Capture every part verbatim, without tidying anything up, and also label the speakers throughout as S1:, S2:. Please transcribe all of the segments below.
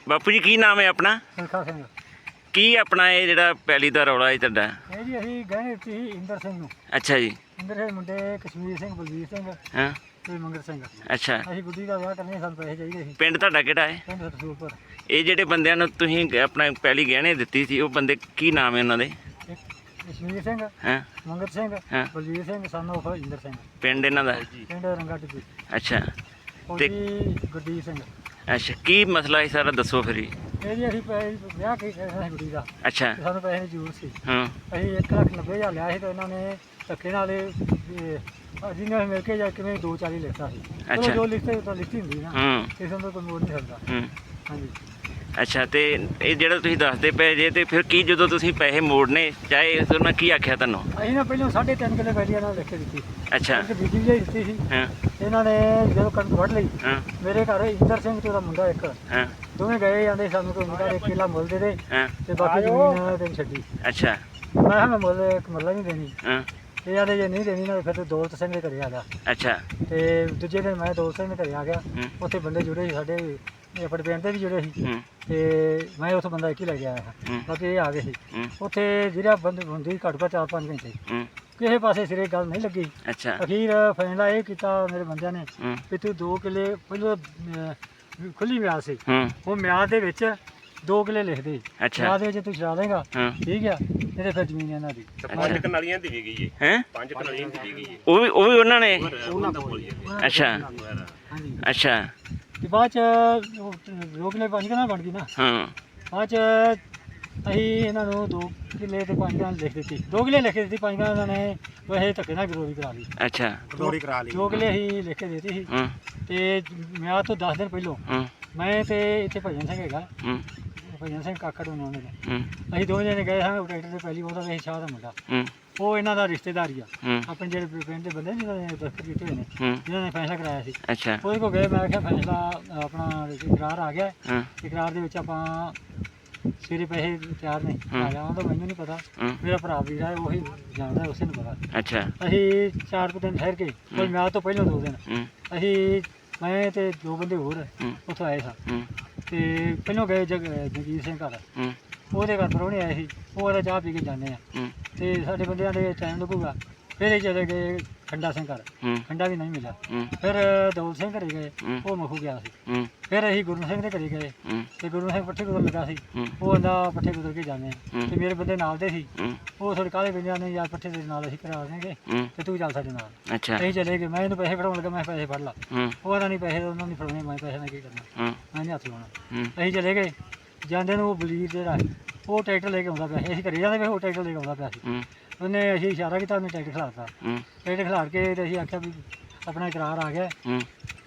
S1: ਬਾਪੂ ਜੀ ਕੀ ਨਾਮ ਹੈ ਆਪਣਾ?
S2: ਸੁਲਖਾ ਸਿੰਘ।
S1: ਕੀ ਆਪਣਾ ਇਹ ਜਿਹੜਾ ਪੈਲੀ ਦਾ ਰੌਲਾ ਹੈ ਤੁਹਾਡਾ?
S2: ਇਹ ਜੀ ਅਸੀਂ ਗਹਿਣੇ ਦਿੱਤੀ ਸੀ ਇੰਦਰ ਸਿੰਘ ਨੂੰ।
S1: ਅੱਛਾ ਜੀ।
S2: ਇੰਦਰ ਦੇ ਮੁੰਡੇ ਕਸ਼ਮੀਰ ਸਿੰਘ, ਬਲਵੀਰ ਸਿੰਘ
S1: ਹਾਂ
S2: ਤੇ ਮੰਗਲ ਸਿੰਘ।
S1: ਅੱਛਾ।
S2: ਅਸੀਂ ਗੁੱਡੀ ਦਾ ਵਿਆਹ ਕਰਨੇ, ਸਾਨੂੰ ਪੈਸੇ ਚਾਹੀਦੇ ਸੀ।
S1: ਪਿੰਡ ਤੁਹਾਡਾ ਕਿਹੜਾ ਹੈ?
S2: ਪਿੰਡ ਰਸੂਲਪੁਰ।
S1: ਇਹ ਜਿਹੜੇ ਬੰਦਿਆਂ ਨੂੰ ਤੁਸੀਂ ਆਪਣਾ ਪੈਲੀ ਗਹਿਣੇ ਦਿੱਤੀ ਸੀ, ਉਹ ਬੰਦੇ ਕੀ ਨਾਮ ਹੈ ਉਹਨਾਂ ਦੇ?
S2: ਇੱਕ ਕਸ਼ਮੀਰ ਸਿੰਘ,
S1: ਹਾਂ
S2: ਮੰਗਲ ਸਿੰਘ,
S1: ਹਾਂ।
S2: Balvir Singh, son of Inder Singh.
S1: ਪਿੰਡ ਇਹਨਾਂ ਦਾ?
S2: ਪਿੰਡ ਰੰਗਾ ਟਿੱਬੀ।
S1: ਅੱਛਾ
S2: ਫੌਜੀ ਗੁਰਦੀਪ ਸਿੰਘ।
S1: ਅੱਛਾ। ਕੀ ਮਸਲਾ ਹੈ ਸਾਰਾ ਦੱਸੋ ਫਿਰ ਜੀ।
S2: ਇਹ ਜੀ ਅਸੀਂ ਪੈਸੇ ਵਿਆਹ ਕੀ ਕਰਨਾ ਸੀ ਗੁੱਡੀ ਦਾ,
S1: ਅੱਛਾ।
S2: ਤੇ ਸਾਨੂੰ ਪੈਸੇ ਦੀ ਜ਼ਰੂਰਤ ਸੀ।
S1: ਹਾਂ
S2: ਅਸੀਂ ਇੱਕ ਲੱਖ ਨੱਬੇ ਹਜ਼ਾਰ ਲਿਆ ਸੀ, ਤੇ ਇਹਨਾਂ ਨੇ ਧੱਕੇ ਨਾਲ ਜਿਹਨੇ ਮਿਲ ਕੇ ਜਾਂ ਕਿਵੇਂ ਦੋ ਚਾਲੀ ਲਿਖਤਾ ਸੀ। ਚਲੋ
S1: ਅੱਛਾ।
S2: ਜੋ ਲਿਖਤੇ ਤਾਂ ਲਿਖਤੀ ਹੁੰਦੀ ਨਾ,
S1: ਹੂੰ
S2: ਕਿਸੇ ਨੂੰ ਕੋਈ ਮੋੜ ਨਹੀਂ ਸਕਦਾ।
S1: ਹੂੰ
S2: ਹਾਂਜੀ।
S1: ਅੱਛਾ। ਤੇ ਇਹ ਜਿਹੜਾ ਤੁਸੀਂ ਦੱਸਦੇ ਪਏ ਜੇ, ਤੇ ਫਿਰ ਕੀ ਜਦੋਂ ਤੁਸੀਂ ਪੈਸੇ ਮੋੜਨੇ ਚਾਹੇ ਉਹਨਾਂ ਕੀ ਆਖਿਆ ਤੁਹਾਨੂੰ?
S2: ਅਸੀਂ ਨਾ ਪਹਿਲਾਂ ਸਾਢੇ ਤਿੰਨ ਕਿੱਲੇ ਪੈਲੀ ਇਹਨਾਂ ਨੂੰ ਲਿਖ ਕੇ ਦਿੱਤੀ ਸੀ।
S1: ਅੱਛਾ।
S2: ਇੱਕ ਬੀਜੀ ਲਈ ਦਿੱਤੀ ਸੀ।
S1: ਹਾਂ
S2: ਇਹਨਾਂ ਨੇ ਜਦੋਂ ਕਣਕ ਵੱਢ ਲਈ,
S1: ਹਾਂ
S2: ਮੇਰੇ ਘਰ ਇੰਦਰ ਸਿੰਘ ਤੇ ਉਹਦਾ ਮੁੰਡਾ ਇੱਕ
S1: ਹਾਂ
S2: ਦੋਵੇਂ ਗਏ ਜਾਂਦੇ, ਸਾਨੂੰ ਕੋਈ ਮੁੰਡਾ ਇੱਕ ਕਿੱਲਾ ਮੁੱਲ ਦੇ ਦੇ
S1: ਹਾਂ
S2: ਤੇ ਬਾਕੀ ਜ਼ਮੀਨ ਤੈਨੂੰ ਛੱਡੀ।
S1: ਅੱਛਾ।
S2: ਮੈਂ ਕਿਹਾ ਮੈਂ ਮੁੱਲ ਇੱਕ ਮੱਲਾ ਨਹੀਂ ਦੇਣੀ।
S1: ਹਾਂ
S2: ਇਹ ਆਦੇ ਜੇ ਨਹੀਂ ਦੇਣੀ ਨਾ ਫਿਰ ਤੂੰ ਦੌਲਤ ਸਿੰਘ ਦੇ ਘਰੇ ਆ ਜਾ।
S1: ਅੱਛਾ।
S2: ਤੇ ਦੂਜੇ ਦਿਨ ਮੈਂ ਦੌਲਤ ਸਿੰਘ ਦੇ ਘਰੇ ਆ ਗਿਆ।
S1: ਹੂੰ
S2: ਉੱਥੇ ਬੰਦੇ ਜੁੜੇ ਸੀ ਸਾਡੇ, ਇਹ ਆਪਣੇ ਪਿੰਡ ਦੇ ਵੀ ਜੁੜੇ ਸੀ।
S1: ਹੂੰ
S2: ਤੇ ਮੈਂ ਉੱਥੋਂ ਬੰਦਾ ਇੱਕ ਹੀ ਲੈ ਕੇ ਆਇਆ
S1: ਹੂੰ
S2: ਹਾਂ, ਬਾਕੀ ਇਹ ਆ ਗਏ ਸੀ।
S1: ਹੂੰ
S2: ਉੱਥੇ ਜਿਹੜਾ ਬੰਦ ਹੁੰਦੀ ਘੱਟ ਘੱਟ ਚਾਰ ਪੰਜ ਘੰਟੇ,
S1: ਹੂੰ
S2: ਕਿਸੇ ਪਾਸੇ ਸਿਰੇ ਗੱਲ ਨਹੀਂ ਲੱਗੀ।
S1: ਅੱਛਾ।
S2: ਅਖੀਰ ਫੈਸਲਾ ਇਹ ਕੀਤਾ ਮੇਰੇ ਬੰਦਿਆਂ ਨੇ
S1: ਹੂੰ
S2: ਵੀ ਤੂੰ ਦੋ ਕਿੱਲੇ ਪਹਿਲਾਂ ਅਹ, ਖੁੱਲੀ ਮਿਆਦ ਸੀ,
S1: ਹੂੰ
S2: ਉਹ ਮਿਆਦ ਦੇ ਵਿੱਚ ਦੋ ਕਿੱਲੇ ਲਿਖ ਦੇ।
S1: ਅੱਛਾ।
S2: ਮਿਆਦ ਦੇ ਵਿੱਚ ਤੂੰ ਛਡਾ ਦੇਗਾ,
S1: ਹਾਂ
S2: ਠੀਕ ਆ, ਨਹੀਂ ਤੇ ਫਿਰ ਜ਼ਮੀਨ ਇਹਨਾਂ ਦੀ।
S3: ਪੰਜ ਕਨਾਲੀਆਂ ਦੀ ਵੀ ਗਈ ਹੈ।
S1: ਹੈ
S3: ਪੰਜ ਕਨਾਲੀਆਂ ਦੀ ਵੀ ਗਈ ਹੈ।
S1: ਉਹ ਵੀ ਉਹ ਵੀ ਉਹਨਾਂ ਨੇ?
S3: ਉਹਨਾਂ ਦਾ ਬੋਲੀ
S1: ਅੱਛਾ
S2: ਹਾਂਜੀ।
S1: ਅੱਛਾ।
S2: ਤੇ ਬਾਅਦ ਚ ਉਹ ਦੋ ਕਿੱਲੇ ਪੰਜ ਕਨਾਲ ਬਣ ਗਈ ਨਾ।
S1: ਹਾਂ
S2: ਬਾਅਦ ਚ ਅਸੀਂ ਇਹਨਾਂ ਨੂੰ ਦੋ ਕਿੱਲੇ ਤੇ ਪੰਜ ਕਨਾਲ ਲਿਖ ਦਿੱਤੀ, ਦੋ ਕਿੱਲੇ ਲਿਖ ਕੇ ਦਿੱਤੀ, ਪੰਜ ਕਨਾਲ ਇਹਨਾਂ ਨੇ ਵੈਸੇ ਧੱਕੇ ਨਾਲ ਗਰੋਰੀ ਕਰਾ ਲਈ।
S1: ਅੱਛਾ।
S3: ਗਰੋੜੀ ਕਰਾ ਲਈ।
S2: ਦੋ ਕਿੱਲੇ ਅਸੀਂ ਲਿਖ ਕੇ ਦਿੱਤੀ ਸੀ।
S1: ਹੂੰ
S2: ਤੇ ਮਿਆਦ ਤੋਂ ਦਸ ਦਿਨ ਪਹਿਲੋਂ
S1: ਹੂੰ
S2: ਮੈਂ ਤੇ ਇੱਥੇ ਭਜਨ ਸਿੰਘ ਹੈਗਾ,
S1: ਹੂੰ
S2: ਭਜਨ ਸਿੰਘ ਕਾਕੜ ਉਹਨਾਂ ਨੇ,
S1: ਹੂੰ
S2: ਅਸੀਂ ਦੋਵੇਂ ਜਣੇ ਗਏ ਹਾਂ ਟਰੈਕਟਰ ਤੇ ਪਹਿਲੀ ਉਹਦਾ ਵੇਖ ਸ਼ਾਹ ਦਾ ਮੁੰਡਾ,
S1: ਹੂੰ
S2: ਉਹ ਇਹਨਾਂ ਦਾ ਰਿਸ਼ਤੇਦਾਰ ਹੀ ਆ,
S1: ਹੂੰ
S2: ਆਪਣੇ ਜਿਹੜੇ ਪਿੰਡ ਦੇ ਬੰਦੇ ਜਿਹਨਾਂ ਨੇ ਦਸਤਖਤ ਕੀਤੇ ਹੋਏ ਨੇ,
S1: ਹੂੰ
S2: ਜਿਹਨਾਂ ਨੇ ਫੈਸਲਾ ਕਰਾਇਆ ਸੀ।
S1: ਅੱਛਾ।
S2: ਉਹਦੇ ਕੋਲ ਗਏ, ਮੈਂ ਕਿਹਾ ਫੈਸਲਾ ਆਪਣਾ ਇਕਰਾਰ ਆ ਗਿਆ,
S1: ਹਾਂ
S2: ਇਕਰਾਰ ਦੇ ਵਿੱਚ ਆਪਾਂ ਸਵੇਰੇ ਪੈਸੇ ਤਿਆਰ ਨੇ
S1: ਹੂੰ।
S2: ਆ ਜਾਵਾਂ ਤਾਂ ਮੈਨੂੰ ਨਹੀਂ ਪਤਾ,
S1: ਹੂੰ
S2: ਮੇਰਾ ਭਰਾ ਵੀਰ ਹੈ ਉਹੀ ਜਾਣਦਾ, ਉਸੇ ਨੂੰ ਪਤਾ।
S1: ਅੱਛਾ।
S2: ਅਸੀਂ ਚਾਰ ਕੁ ਦਿਨ ਠਹਿਰ ਕੇ, ਕੋਈ ਮਿਆਦ ਤੋਂ ਪਹਿਲਾਂ ਦੋ ਦਿਨ
S1: ਹੂੰ
S2: ਅਸੀਂ, ਮੈਂ ਤੇ ਦੋ ਬੰਦੇ ਹੋਰ
S1: ਹੂੰ
S2: ਉੱਥੋਂ ਆਏ ਸਾਂ,
S1: ਹੂੰ
S2: ਤੇ ਪਹਿਲਾਂ ਗਏ ਜਗ ਜਗੀਰ ਸਿੰਘ ਘਰ,
S1: ਹੂੰ
S2: ਉਹਦੇ ਘਰ ਪਰੌਣੇ ਆਏ ਸੀ, ਉਹ ਉਹਦਾ ਚਾਹ ਪੀ ਕੇ ਜਾਂਦੇ ਆ,
S1: ਹੂੰ
S2: ਤੇ ਸਾਡੇ ਬੰਦਿਆਂ ਦੇ ਟਾਈਮ ਲੱਗੂਗਾ। ਫਿਰ ਇਹ ਚਲੇ ਗਏ ਖੰਡਾ ਸਿੰਘ ਘਰ,
S1: ਹੂੰ
S2: ਖੰਡਾ ਵੀ ਨਹੀਂ ਮਿਲਿਆ।
S1: ਹੂੰ
S2: ਫਿਰ ਦੌਲਤ ਸਿੰਘ ਘਰੇ ਗਏ,
S1: ਹੂੰ
S2: ਉਹ ਮਖੂ ਗਿਆ ਸੀ।
S1: ਹੂੰ
S2: ਫਿਰ ਅਸੀਂ ਗੁਰੂ ਸਿੰਘ ਦੇ ਘਰੇ ਗਏ,
S1: ਹੂੰ
S2: ਤੇ ਗੁਰੂ ਸਿੰਘ ਪੱਠੇ ਕੁਦਰ ਲੱਗਾ ਸੀ,
S1: ਹੂੰ
S2: ਉਹ ਕਹਿੰਦਾ ਪੱਠੇ ਕੁਦਰ ਕੇ ਜਾਂਦੇ ਆ,
S1: ਹੂੰ।
S2: ਤੇ ਮੇਰੇ ਬੰਦੇ ਨਾਲ ਦੇ ਸੀ,
S1: ਹੂੰ
S2: ਉਹ ਥੋੜੇ ਕਾਲੇ ਬੰਦਿਆਂ ਨੇ ਯਾਰ ਪੱਠੇ ਦੇ ਨਾਲ ਅਸੀਂ ਕਰਾ ਦੇਣਗੇ,
S1: ਹੂੰ
S2: ਤੇ ਤੂੰ ਚੱਲ ਸਾਡੇ ਨਾਲ।
S1: ਅੱਛਾ।
S2: ਅਸੀਂ ਚਲੇ ਗਏ, ਮੈਂ ਇਹਨੂੰ ਪੈਸੇ ਫੜਾਉਣ ਲੱਗਾ, ਮੈਂ ਪੈਸੇ ਫੜ ਲਾ,
S1: ਹੂੰ
S2: ਉਹ ਕਹਿੰਦਾ ਨਹੀਂ ਪੈਸੇ ਉਹਨਾਂ ਨੇ ਫੜਾਉਣੇ, ਮੈਂ ਪੈਸੇ ਨਾਲ ਕੀ ਕਰਨਾ,
S1: ਹੂੰ
S2: ਮੈਂ ਨਹੀਂ ਹੱਥ ਲਾਉਣਾ।
S1: ਹੂੰ
S2: ਅਸੀਂ ਚਲੇ ਗਏ, ਜਾਂਦੇ ਨੂੰ ਉਹ ਬਲੀਰ ਜਿਹੜਾ ਉਹ ਟਰੈਕਟਰ ਲੈ ਕੇ ਆਉਂਦਾ ਪਿਆ ਸੀ, ਅਸੀਂ ਘਰੇ ਜਾਂਦੇ ਪਏ, ਉਹ ਟਰੈਕਟਰ ਲੈ ਕੇ ਆਉਂਦਾ ਪਿਆ ਸੀ।
S1: ਹੂੰ
S2: ਉਹਨੇ ਅਸੀਂ ਇਸ਼ਾਰਾ ਕੀਤਾ, ਉਹਨੇ ਟਰੈਕਟਰ ਖਿਲਾਰਤਾ,
S1: ਹੂੰ
S2: ਟਰੈਕਟਰ ਖਿਲਾਰ ਕੇ ਤੇ ਅਸੀਂ ਆਖਿਆ ਵੀ ਆਪਣਾ ਇਕਰਾਰ ਆ ਗਿਆ,
S1: ਹੂੰ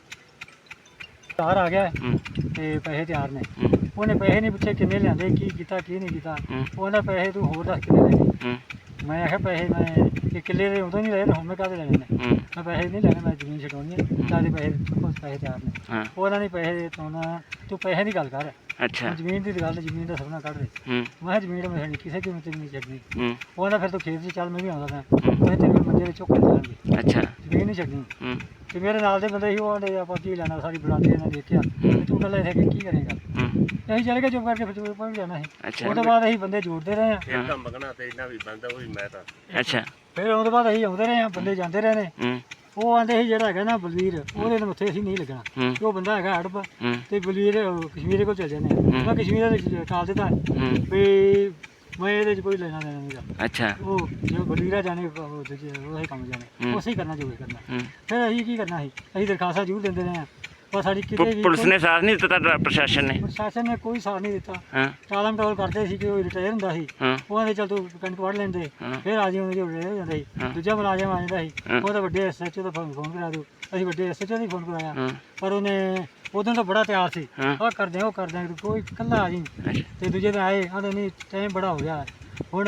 S2: ਇਕਰਾਰ ਆ ਗਿਆ
S1: ਹੂੰ
S2: ਤੇ ਪੈਸੇ ਤਿਆਰ ਨੇ।
S1: ਹੂੰ
S2: ਉਹਨੇ ਪੈਸੇ ਨਹੀਂ ਪੁੱਛੇ ਕਿੰਨੇ ਲਿਆਂਦੇ, ਕੀ ਕੀਤਾ ਕੀ ਨਹੀਂ ਕੀਤਾ,
S1: ਹੂੰ
S2: ਉਹ ਕਹਿੰਦਾ ਪੈਸੇ ਤੂੰ ਹੋਰ ਦੱਸ ਕਿੰਨੇ ਲੈਣੇ।
S1: ਹੂੰ
S2: ਮੈਂ ਆਖਿਆ ਪੈਸੇ ਮੈਂ ਇਹ ਕਿੱਲੇ ਦੇ ਉਦੋਂ ਨਹੀਂ ਲਏ, ਤੇ ਹੁਣ ਮੈਂ ਕਾਹਦੇ ਲੈਣੇ ਨੇ,
S1: ਹੂੰ
S2: ਮੈਂ ਪੈਸੇ ਨਹੀਂ ਲੈਣੇ, ਮੈਂ ਜ਼ਮੀਨ ਛਡਾਉਣੀ ਹੈ, ਚਾਹਦੇ ਪੈਸੇ ਕੁਛ ਪੈਸੇ ਤਿਆਰ ਨੇ।
S1: ਹਾਂ
S2: ਉਹਨਾਂ ਨੇ ਪੈਸੇ ਤੋਂ ਨਾ, ਤੂੰ ਪੈਸੇ ਦੀ ਗੱਲ ਕਰ,
S1: ਅੱਛਾ।
S2: ਜ਼ਮੀਨ ਦੀ ਗੱਲ, ਜ਼ਮੀਨ ਦਾ ਸਪਨਾ ਕੱਢ ਦੇ।
S1: ਹੂੰ
S2: ਮੈਂ ਕਿਹਾ ਜ਼ਮੀਨ ਮੈਂ ਨਹੀਂ ਕਿਸੇ ਕੀਮਤ ਤੇ ਨਹੀਂ ਛੱਡਣੀ।
S1: ਹੂੰ
S2: ਉਹ ਕਹਿੰਦਾ ਫਿਰ ਤੂੰ ਖੇਤ 'ਚ ਚੱਲ, ਮੈਂ ਵੀ ਆਉਂਦਾ ਮੈਂ,
S1: ਹੂੰ
S2: ਮੈਂ ਤੇਰੇ ਬੰਦੇ ਦੇ ਚੁੱਕ ਕੇ ਜਾਣਗੇ,
S1: ਅੱਛਾ।
S2: ਜ਼ਮੀਨ ਨਹੀਂ ਛੱਡਣੀ।
S1: ਹੂੰ
S2: ਤੇ ਮੇਰੇ ਨਾਲ ਦੇ ਬੰਦੇ ਸੀ, ਉਹ ਆਂਦੇ ਆਪਾਂ ਕੀ ਲੈਣਾ, ਸਾਰੀ ਬਰਾਂਡੇ ਇਹਨਾਂ ਨੇ ਦੇਖਿਆ, ਤੇ ਤੂੰ ਇਕੱਲਾ ਇੱਥੇ ਕੀ ਕਰੇਗਾ।
S1: ਹੂੰ
S2: ਅਸੀਂ ਚਲੇ ਗਏ ਚੁੱਪ ਕਰਕੇ, ਫਿਰ ਚੁੱਪ ਵੀ ਜਾਣਾ ਸੀ।
S1: ਅੱਛਾ।
S2: ਉਹ ਤੋਂ ਬਾਅਦ ਅਸੀਂ ਬੰਦੇ ਜੋੜਦੇ ਰਹੇ ਹਾਂ,
S3: ਫਿਰ ਤਾਂ ਮੰਗਣਾ ਤੇ ਇਹਨਾਂ ਵੀ ਬੰਦਾ ਉਹ ਵੀ ਮੈਂ ਤਾਂ
S1: ਅੱਛਾ।
S2: ਫਿਰ ਉਹ ਤੋਂ ਬਾਅਦ ਅਸੀਂ ਆਉਂਦੇ ਰਹੇ ਹਾਂ, ਬੰਦੇ ਜਾਂਦੇ ਰਹੇ ਨੇ।
S1: ਹੂੰ
S2: ਉਹ ਆਂਦੇ ਸੀ ਜਿਹੜਾ ਹੈਗਾ ਨਾ ਬਲਵੀਰ, ਉਹਦੇ ਨਾਲ ਉੱਥੇ ਅਸੀਂ ਨਹੀਂ ਲੱਗਣਾ,
S1: ਹੂੰ
S2: ਉਹ ਬੰਦਾ ਹੈਗਾ ਹੜਪ,
S1: ਹੂੰ
S2: ਤੇ ਬਲਵੀਰ ਅਹ, ਕਸ਼ਮੀਰ ਕੋਲ ਚਲ ਜਾਂਦੇ ਆ। ਮੈਂ ਕਸ਼ਮੀਰ ਦੇ ਟਾਲ ਦਿੱਤਾ
S1: ਹੂੰ
S2: ਵੀ ਮੈਂ ਇਹਦੇ 'ਚ ਕੋਈ ਲੈਣਾ ਦੇਣਾ ਨਹੀਂ।
S1: ਅੱਛਾ।
S2: ਉਹ ਜੋ ਬਲਵੀਰਾ ਜਾਣੇ ਉਹ ਦੂਜੇ ਉਹੀ ਕੰਮ ਜਾਣੇ,
S1: ਹੂੰ।
S2: ਉਸੇ ਹੀ ਕਰਨਾ ਜੋ ਵੀ ਕਰਨਾ।
S1: ਹੂੰ
S2: ਫਿਰ ਅਸੀਂ ਕੀ ਕਰਨਾ ਸੀ, ਅਸੀਂ ਦਰਖਾਸਤਾਂ ਜ਼ਰੂਰ ਦਿੰਦੇ ਰਹੇ ਹਾਂ, ਪਰ ਸਾਡੀ ਕਿਤੇ
S1: ਪੁ-
S2: ਵੀ
S1: ਪੁਲਿਸ ਨੇ ਸਾਥ ਨਹੀਂ ਦਿੱਤਾ ਤੁਹਾਡਾ, ਪ੍ਰਸ਼ਾਸਨ ਨੇ?
S2: ਪ੍ਰਸ਼ਾਸਨ ਨੇ ਕੋਈ ਸਾਥ ਨਹੀਂ ਦਿੱਤਾ।
S1: ਹਾਂ
S2: ਟਾਲਮ ਟੋਲ ਕਰਦੇ ਸੀ ਕਿ ਉਹ ਰਿਟਾਇਰ ਹੁੰਦਾ ਸੀ,
S1: ਹਾਂ
S2: ਉਹ ਆਂਦੇ ਚੱਲ ਤੂੰ ਕਣਕ ਵੱਢ ਲੈਂਦੇ,
S1: ਹਾਂ।
S2: ਫਿਰ ਆ ਜਿਉਂਦੇ ਜੋ ਰਿਟਾਇਰ ਹੋ ਜਾਂਦਾ ਸੀ,
S1: ਹਾਂ।
S2: ਦੂਜਾ ਮੁਲਾਜ਼ਮ ਆ ਜਾਂਦਾ ਸੀ,
S1: ਹਾਂ।
S2: ਉਹ ਤਾਂ ਵੱਡੇ ਐਸ ਐਚ ਓ ਦਾ ਫੋਨ ਫੋਨ ਕਰਾ ਦਿਓ, ਅਸੀਂ ਵੱਡੇ ਐਸ ਐਚ ਓ ਦਾ ਫੋਨ ਕਰਾਇਆ,
S1: ਹਾਂ
S2: ਪਰ ਉਹਨੇ ਉਦੋਂ ਤਾਂ ਬੜਾ ਤਿਆਰ ਸੀ,
S1: ਹਾਂ।
S2: ਆਹ ਕਰਦੇ ਆ ਉਹ ਕਰਦੇ ਆ, ਕੋਈ ਇਕੱਲਾ ਆ ਜੀ।
S1: ਅੱਛਾ।
S2: ਤੇ ਦੂਜੇ ਦਿਨ ਆਏ, ਆਂਦੇ ਨਹੀਂ ਟਾਈਮ ਬੜਾ ਹੋ ਗਿਆ ਹੁਣ,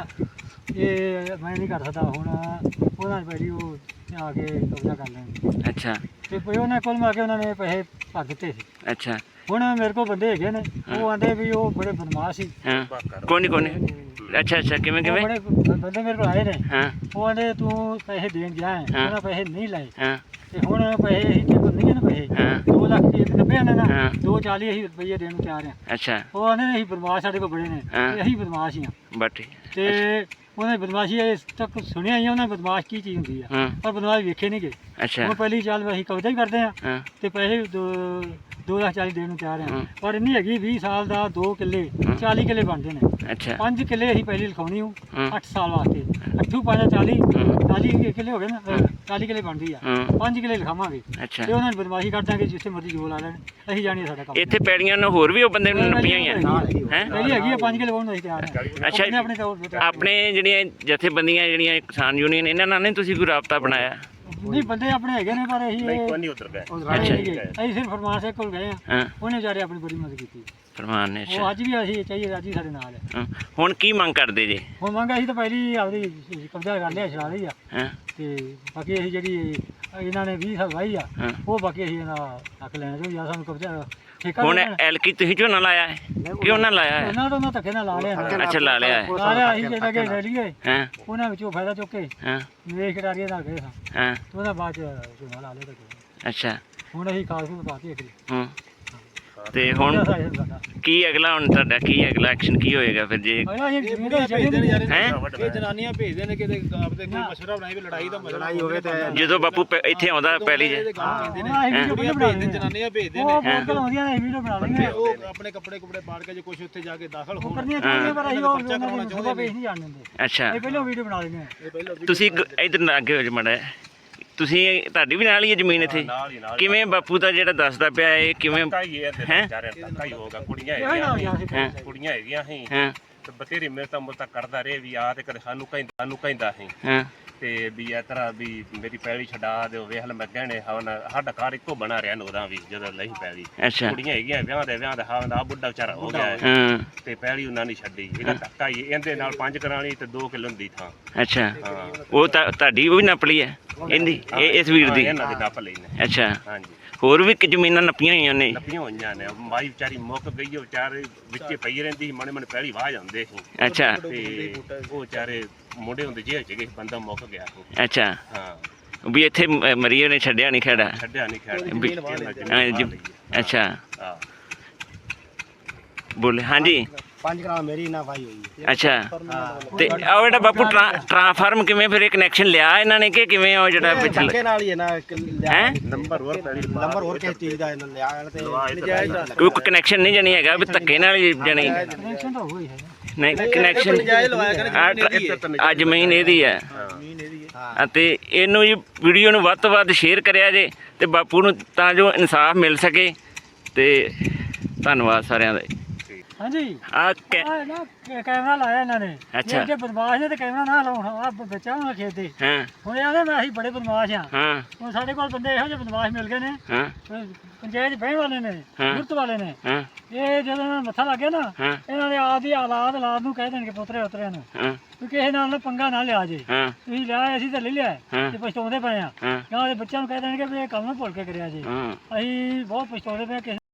S2: ਇਹ ਮੈਂ ਨਹੀਂ ਕਰ ਸਕਦਾ ਹੁਣ, ਉਹਨਾਂ ਨੇ ਪਹਿਲੀ ਉਹ ਆ ਕੇ ਕਬਜ਼ਾ ਕਰ ਲੈਣ।
S1: ਅੱਛਾ।
S2: ਤੇ ਫਿਰ ਉਹਨਾਂ ਕੋਲ ਆ ਕੇ ਉਹਨਾਂ ਨੇ ਪੈਸੇ ਭਰ ਦਿੱਤੇ ਸੀ।
S1: ਅੱਛਾ।
S2: ਹੁਣ ਮੇਰੇ ਕੋਲ ਬੰਦੇ ਹੈਗੇ ਨੇ, ਉਹ ਆਂਦੇ ਵੀ ਉਹ ਬੜੇ ਬਦਮਾਸ਼ ਸੀ।
S1: ਹਾਂ
S3: ਬਾਕਰ
S1: ਕੋਣੀ ਕੋਣੀ ਅੱਛਾ ਅੱਛਾ ਕਿਵੇਂ
S2: ਉਹ
S1: ਕਿਵੇਂ
S2: ਬੜੇ ਬੰਦੇ ਮੇਰੇ ਕੋਲ ਆਏ ਨੇ,
S1: ਹਾਂ
S2: ਉਹ ਆਂਦੇ ਤੂੰ ਪੈਸੇ ਦੇਣ ਗਿਆ ਹੈ,
S1: ਹਾਂ।
S2: ਉਹਨਾਂ ਪੈਸੇ ਨਹੀਂ ਲਏ,
S1: ਹਾਂ
S2: ਤੇ ਹੁਣ ਪੈਸੇ ਅਸੀਂ ਤੇਰੇ ਕੋਲ ਨਹੀਂ ਹਨ ਪੈਸੇ,
S1: ਹਾਂ
S2: ਦੋ ਲੱਖ ਰੁਪਏ ਨੱਬੇ ਆਨੇ ਨਾ,
S1: ਹਾਂ।
S2: ਦੋ ਚਾਲੀ ਅਸੀਂ ਰੁਪਏ ਦੇਣ ਨੂੰ ਤਿਆਰ ਹਾਂ।
S1: ਅੱਛਾ
S2: ਉਹ ਆਂਦੇ ਨੇ ਅਸੀਂ ਬਦਮਾਸ਼ ਸਾਡੇ ਕੋਲ ਬੜੇ ਨੇ,
S1: ਹਾਂ।
S2: ਤੇ ਅਸੀਂ ਬਦਮਾਸ਼ ਹੀ ਹਾਂ।
S1: ਬਟ
S2: ਤੇ ਉਹਨੇ ਬਦਮਾਸ਼ੀ ਇਸ ਤੱਕ ਸੁਣਿਆ ਹੀ, ਉਹਨਾਂ ਬਦਮਾਸ਼ ਕੀ ਚੀਜ਼ ਹੁੰਦੀ ਆ,
S1: ਹਾਂ
S2: ਪਰ ਬਦਮਾਸ਼ ਵੇਖੇ ਨਹੀਂ ਗਏ।
S1: ਅੱਛਾ
S2: ਹੁਣ ਪਹਿਲੀ ਚਾਲ ਅਸੀਂ ਕਬਜ਼ਾ ਹੀ ਕਰਦੇ ਹਾਂ,
S1: ਹਾਂ
S2: ਤੇ ਪੈਸੇ ਦੋ ਦੋ ਲੱਖ ਚਾਲੀ ਦੇਣ ਨੂੰ ਤਿਆਰ ਹਾਂ।
S1: ਹਾਂ।
S2: ਪਰ ਇੰਨੀ ਹੈਗੀ ਵੀਹ ਸਾਲ ਦਾ ਦੋ ਕਿੱਲੇ
S1: ਹਾਂ।
S2: ਚਾਲੀ ਕਿੱਲੇ ਬਣਦੇ ਨੇ,
S1: ਅੱਛਾ
S2: ਪੰਜ ਕਿੱਲੇ ਅਸੀਂ ਪਹਿਲੀ ਲਿਖਾਉਣੀ ਹੂੰ
S1: ਹਾਂ
S2: ਅੱਠ ਸਾਲ ਵਾਸਤੇ, ਅੱਠੂ ਪੰਜ ਚਾਲੀ,
S1: ਹਾਂ।
S2: ਚਾਲੀ ਕਿੱਲੇ ਹੋ ਗਏ ਨਾ,
S1: ਹਾਂ।
S2: ਚਾਲੀ ਕਿੱਲੇ ਬਣਦੀ ਆ,
S1: ਹਾਂ
S2: ਪੰਜ ਕਿੱਲੇ ਲਿਖਾਵਾਂਗੇ
S1: ਅੱਛਾ
S2: ਤੇ ਉਹਨਾਂ ਨੂੰ ਬਦਮਾਸ਼ੀ ਕਰ ਦਾਂਗੇ, ਜਿੱਥੇ ਮਰਜ਼ੀ ਜੋ ਲਾ ਲੈਣ, ਅਸੀਂ ਜਾਣੀਏ ਸਾਡਾ ਕੰਮ।
S1: ਇੱਥੇ ਪੈੜੀਆਂ ਨੂੰ ਹੋਰ ਵੀ ਉਹ ਬੰਦੇ ਨੂੰ ਨੱਪੀਆਂ ਹੋਈਆਂ ਹੈ
S2: ਪਹਿਲੀ ਹੈਗੀ ਆ ਪੰਜ ਕਿੱਲੇ ਵਾਹੁਣ ਨੂੰ ਅਸੀਂ ਤਿਆਰ ਹਾਂ।
S1: ਅੱਛਾ।
S2: ਆਪਣੇ ਆਪਣੇ ਤੌਰ ਤੇ
S1: ਆਪਣੇ ਜਿਹੜੀਆਂ ਜਥੇਬੰਦੀਆਂ ਜਿਹੜੀਆਂ ਕਿਸਾਨ ਯੂਨੀਅਨ ਇਹਨਾਂ ਨਾਲ ਨਹੀਂ ਤੁਸੀਂ ਕੋਈ ਰਾਬਤਾ ਬਣਾਇਆ
S2: ਨਹੀਂ, ਬੰਦੇ ਆਪਣੇ ਹੈਗੇ ਨੇ, ਪਰ ਅਸੀਂ
S3: ਨਹੀਂ
S2: ਇਹ-
S3: ਕੋਈ ਨਹੀਂ ਉਧਰ ਗਏ
S2: ਅੱਛਾ ਅਸੀਂ ਸਿਰਫ ਫਰਮਾਨ ਸਿੰਘ ਕੋਲ ਗਏ ਆ,
S1: ਹਾਂ
S2: ਉਹਨੇ ਵਿਚਾਰੇ ਆਪਣੀ ਬੜੀ ਮਦਦ ਕੀਤੀ।
S1: ਫਰਮਾਨ ਨੇ
S2: ਉਹ
S1: ਅੱਛਾ
S2: ਅੱਜ ਵੀ ਅਸੀਂ ਚਾਹੀਏ, ਅੱਜ ਵੀ ਸਾਡੇ ਨਾਲ ਹੈ।
S1: ਹਾਂ। ਹੁਣ ਕੀ ਮੰਗ ਕਰਦੇ ਜੇ
S2: ਹੁਣ ਮੰਗ ਅਸੀਂ ਤਾਂ ਪਹਿਲੀ ਆਪਦੀ ਕਬਜ਼ਾ ਕਰ ਲਿਆ, ਛਡਾ ਲਈ ਆ,
S1: ਹਾਂ
S2: ਤੇ ਬਾਕੀ ਅਸੀਂ ਜਿਹੜੀ ਇਹਨਾਂ ਨੇ ਵੀਹ ਸਾਲ ਵਾਹੀ ਆ,
S1: ਹਾਂ।
S2: ਉਹ ਬਾਕੀ ਅਸੀਂ ਇਹਦਾ ਹੱਕ ਲੈਣਾ ਚਾਹੀਦਾ, ਸਾਨੂੰ ਕਬਜ਼ਾ ਠੇਕਾ
S1: ਹੁਣ
S2: ਦੇਣਾ।
S1: ਐਲਕੀ ਤੁਸੀਂ ਝੋਨਾ ਲਾਇਆ ਹੈ ਕਿ ਉਹਨਾਂ ਲਾਇਆ ਹੈ
S2: ਉਹਨਾਂ ਤੋਂ ਉਹਨਾਂ ਧੱਕੇ ਨਾਲ ਲਾ ਲਿਆ ਨਾ।
S1: ਅੱਛਾ ਲਾ ਲਿਆ ਹੈ
S2: ਲਾ ਲਿਆ ਅਸੀਂ ਜਿਹੜਾ ਕਿ ਲੈ ਲਈਏ,
S1: ਹਾਂ
S2: ਉਹਨਾਂ ਵਿੱਚੋਂ ਫਾਇਦਾ ਚੁੱਕ ਕੇ
S1: ਹਾਂ
S2: ਨਿਵੇਸ਼ ਕਰਾਰੀਏ ਨਾਲ ਗਏ ਸਾਂ,
S1: ਹਾਂ
S2: ਤੇ ਉਹਦਾ ਬਾਅਦ ਚ ਝੋਨਾ ਲਾ ਲਿਆ ਧੱਕੇ।
S1: ਅੱਛਾ
S2: ਹੁਣ ਅਸੀਂ ਖਾਸ ਨੂੰ ਪਾਤੀ ਅਗਲੀ
S1: ਹੂੰ ਤੇ ਹੁਣ ਕੀ ਅਗਲਾ ਹੁਣ ਤੁਹਾਡਾ ਕੀ ਅਗਲਾ ਐਕਸ਼ਨ ਕੀ ਹੋਏਗਾ ਫਿਰ ਜੇ
S2: ਅਗਲਾ ਇਹ ਜ਼ਮੀਨ ਦੇ ਛੱਡੇ ਨੇ
S1: ਹੈ
S4: ਇਹ ਜਨਾਨੀਆਂ ਭੇਜਦੇ ਨੇ ਕਿਤੇ ਆਪਦੇ ਕੋਈ ਮਸ਼ਵਰਾ ਬਣਾਈ ਵੀ ਲੜਾਈ ਦਾ ਮਸਲਾ ਹੋਵੇ ਤੇ
S1: ਜਦੋਂ ਬਾਪੂ ਪ- ਇੱਥੇ ਆਉਂਦਾ ਪਹਿਲੀ ਜੇ
S4: ਕਹਿੰਦੇ ਨੇ
S2: ਅਸੀਂ ਵੀਡੀਓ
S4: ਕੁੜੀਆਂ
S2: ਬਣਾ
S4: ਭੇਜਦੇ
S2: ਲੈਂਦੇ
S4: ਜਨਾਨੀਆਂ ਭੇਜਦੇ
S2: ਉਹ
S4: ਨੇ
S2: ਬਹੁਤ ਗੱਲ ਆਉਂਦੀਆਂ ਨੇ, ਵੀਡੀਓ ਬਣਾ ਲੈਂਦੇ
S4: ਉਹ ਆਪਣੇ ਕੱਪੜੇ ਕੁਪੜੇ ਪਾੜ ਕੇ ਜੇ ਕੁਝ ਉੱਥੇ ਜਾ ਕੇ ਦਾਖਲ
S2: ਉਹ
S4: ਹੋਣ
S2: ਕਰਨੀਆਂ ਚਾਹੀਦੀਆਂ, ਪਰ ਅਸੀਂ ਉਹ ਉਹਨਾਂ ਦੀ ਸੁਭਾ ਪੇਸ਼ ਨਹੀਂ ਜਾਣ ਦਿੰਦੇ।
S1: ਅੱਛਾ
S2: ਇਹ ਪਹਿਲਾਂ ਵੀਡੀਓ ਬਣਾ ਲੈਂਦੇ ਆ।
S4: ਇਹ ਪਹਿਲਾਂ
S1: ਤੁਸੀਂ ਗ- ਇੱਧਰ ਅੱਗੇ ਹੋ ਜਾ ਮੜਾ ਤੁਸੀਂ ਤੁਹਾਡੀ ਵੀ ਨਾਲ ਹੀ ਹੈ ਜ਼ਮੀਨ ਇੱਥੇ
S3: ਨਾਲ ਹੀ ਨਾਲ
S1: ਕਿਵੇਂ ਬਾਪੂ ਦਾ ਜਿਹੜਾ ਦੱਸਦਾ ਪਿਆ ਇਹ ਕਿਵੇਂ
S3: ਕਾਈ ਇਹ
S1: ਹੈਂ?
S3: ਵਿਚਾਰੇ ਧੱਕਾ ਹੀ ਹੋਗਾ ਕੁੜੀਆਂ
S2: ਇਹ ਨਾ
S3: ਹੈਗੀਆਂ
S2: ਗਿਆ ਸੀ
S1: ਹੈਂ?
S3: ਕੁੜੀਆਂ ਹੈਗੀਆਂ ਸੀ
S1: ਹਾਂ
S3: ਤੇ ਬਤੇਰੀ ਮੇਰੇ ਤਾਂ ਮੁਰਤਾ ਕਰਦਾ ਰਹੇ ਵੀ ਆ ਤੇ ਕਦੇ ਸਾਨੂੰ ਕਹਿੰਦਾ ਸਾਨੂੰ ਕਹਿੰਦਾ ਸੀ
S1: ਹਾਂ
S3: ਤੇ ਵੀ ਇਸ ਤਰ੍ਹਾਂ ਵੀ ਮੇਰੀ ਪੈਲੀ ਛਡਾ ਦਿਓ, ਵੇਖ ਲੈ ਮੈਂ ਗਹਿਣੇ ਹਵਨ ਸਾਡਾ ਘਰ ਇੱਕੋ ਬਣਾ ਰਿਹਾ ਨੋਰਾਂ ਵੀ ਜਦੋਂ ਲਈ ਪੈਲੀ
S1: ਅੱਛਾ
S3: ਕੁੜੀਆਂ ਹੈਗੀਆਂ ਵਿਆਹ ਦੇ ਵਿਆਹ ਦਾ ਹਵਨ ਆ ਬੁੱਢਾ ਵਿਚਾਰਾ ਹੋ ਗਿਆ ਹੈ,
S1: ਹਾਂ
S3: ਤੇ ਪੈਲੀ ਉਹਨਾਂ ਨੇ ਛੱਡੀ, ਇਹਦਾ ਧੱਕਾ ਹੀ ਇਹਦੇ ਨਾਲ ਪੰਜ ਕਰਾਣੀ ਤੇ ਦੋ ਕਿਲੋ ਦੀ ਥਾਂ।
S1: ਅੱਛਾ
S3: ਹਾਂ
S1: ਉਹ ਤਾਂ ਤੁਹਾਡੀ ਉਹ ਵੀ ਨੱਪ ਲਈ ਹੈ ਇਹਦੀ ਇਹ ਇਸ ਵੀਰ
S3: ਹਾਂ,
S1: ਦੀ
S3: ਇਹਨਾਂ ਦੇ ਨੱਪ ਲਈ ਨੇ।
S1: ਅੱਛਾ
S3: ਹਾਂਜੀ
S1: ਹੋਰ ਵੀ ਕਿ ਜ਼ਮੀਨਾਂ ਨੱਪੀਆਂ ਹੋਈਆਂ ਨੇ
S3: ਨੱਪੀਆਂ ਹੋਈਆਂ ਨੇ, ਮਾਈ ਵਿਚਾਰੀ ਮੁੱਕ ਗਈ ਉਹ ਵਿਚਾਰੇ ਵਿੱਚੇ ਪਈ ਰਹਿੰਦੀ ਸੀ, ਮਣੇ ਮਣੇ ਪੈਲੀ ਵਾਹ ਜਾਂਦੇ ਸੀ
S1: ਅੱਛਾ
S3: ਤੇ ਉਹ ਵਿਚਾਰੇ ਮੁੰਡੇ ਹੁੰਦੇ ਜੇਲ੍ਹ ਚ ਗਏ, ਬੰਦਾ ਮੁੱਕ ਗਿਆ ਸੀ।
S1: ਅੱਛਾ
S3: ਹਾਂ
S1: ਵੀ ਇੱਥੇ ਮ- ਮਰੀਏ ਨੇ ਛੱਡਿਆ ਨਹੀਂ ਖੜਾ
S3: ਛੱਡਿਆ ਨਹੀਂ ਖੈਰ
S1: ਵੀ- ਹਾਂ, ਜੀ- ਅੱਛਾ
S3: ਹਾਂ
S1: ਬੋਲੇ ਹਾਂਜੀ
S4: ਪੰਜ ਕਰਾ ਮੇਰੀ ਨਾ ਭਾਈ ਹੋਈ
S1: ਅੱਛਾ ਤੇ ਉਹ ਜਿਹੜਾ ਬਾਪੂ ਟਰਾ- ਟਰਾਂਸਫਾਰਮ ਕਿਵੇਂ ਫਿਰ ਇਹ ਕਨੈਕਸ਼ਨ ਲਿਆ ਇਹਨਾਂ ਨੇ ਕਿ ਕਿਵੇਂ ਉਹ ਜਿਹੜਾ ਪਿਛਲੇ
S4: ਨਾਲ ਹੀ ਹੈ ਨਾ
S1: ਹੈ
S3: ਨੰਬਰ ਹੋਰ ਪੈਲੀ
S4: ਨੰਬਰ ਹੋਰ ਕਿਸੇ ਚੀਜ਼ ਦਾ ਇਹਨਾਂ ਲਿਆ ਤੇ
S1: ਕੋਈ ਕਨੈਕਸ਼ਨ ਨਹੀਂ ਜਾਣੀ ਹੈਗਾ ਵੀ ਧੱਕੇ ਨਾਲ ਹੀ ਜਾਣੀ
S2: ਕਨੈਕਸ਼ਨ ਤਾਂ ਹੋਈ ਹੈ।
S1: ਨਹੀਂ ਕਨੈਕਸ਼ਨ ਆ ਜ਼ਮੀਨ ਇਹਦੀ ਹੈ
S4: ਜ਼ਮੀਨ ਇਹਦੀ ਹੈ
S1: ਹਾਂ। ਅਤੇ ਇਹਨੂੰ ਜੀ ਵੀਡੀਓ ਨੂੰ ਵੱਧ ਤੋਂ ਵੱਧ ਸ਼ੇਅਰ ਕਰਿਆ ਜੇ ਤੇ ਬਾਪੂ ਨੂੰ ਤਾਂ ਜੋ ਇਨਸਾਫ ਮਿਲ ਸਕੇ ਤੇ ਧੰਨਵਾਦ ਸਾਰਿਆਂ ਦਾ
S2: ਹਾਂਜੀ
S1: ਆ
S2: ਆਹ ਨਾ ਕੈ- ਕੈਮਰਾ ਲਾਇਆ ਇਹਨਾਂ ਨੇ।
S1: ਅੱਛਾ।
S2: ਇਹ ਜੇ ਬਦਮਾਸ਼ ਨੇ ਤੇ ਕੈਮਰਾ ਨਾ ਲਾਉਣ, ਆ ਬੱਚਾ ਹੋਣਾ ਖੇਤ ਦੇ।
S1: ਹਾਂ
S2: ਹੁਣ ਆਦੇ ਮੈਂ ਅਸੀਂ ਬੜੇ ਬਦਮਾਸ਼ ਆ,
S1: ਹਾਂ
S2: ਹੁਣ ਸਾਡੇ ਕੋਲ ਬੰਦੇ ਇਹੋ ਜਿਹੇ ਬਦਮਾਸ਼ ਮਿਲ ਗਏ ਨੇ,
S1: ਹਾਂ
S2: ਅਹ ਪੰਚਾਇਤ ਬਹਿਣ ਵਾਲੇ ਨੇ,
S1: ਹਾਂ।
S2: ਗੁਰਤ ਵਾਲੇ ਨੇ।
S1: ਹਾਂ
S2: ਇਹ ਜਦੋਂ ਇਹਨਾਂ ਨੂੰ ਮੱਥਾ ਲੱਗ ਗਿਆ ਨਾ,
S1: ਹਾਂ
S2: ਇਹਨਾਂ ਦੇ ਆਪ ਦੀ ਔਲਾਦ ਔਲਾਦ ਨੂੰ ਕਹਿ ਦੇਣਗੇ ਪੁੱਤਰੇ ਉਤਰਿਆਂ ਨੂੰ
S1: ਹਾਂ
S2: ਵੀ ਕਿਸੇ ਨਾਲ ਨਾ ਪੰਗਾ ਨਾ ਲਿਆ ਜੇ,
S1: ਹਾਂ
S2: ਤੁਸੀਂ ਲਿਆ ਅਸੀਂ ਤਾਂ ਲੈ ਲਿਆ
S1: ਹਾਂ।
S2: ਤੇ ਪਛਤਾਉਂਦੇ ਪਏ ਆ।
S1: ਹਾਂ
S2: ਜਾਂ ਉਹਦੇ ਬੱਚਿਆਂ ਨੂੰ ਕਹਿ ਦੇਣਗੇ ਵੀ ਇਹ ਕੰਮ ਨਾ ਭੁੱਲ ਕੇ ਕਰਿਆ ਜੇ।
S1: ਹਾਂ
S2: ਅਸੀਂ ਬਹੁਤ ਪਛਤਾਉਂਦੇ ਪਏ ਹਾਂ ਕਿਸੇ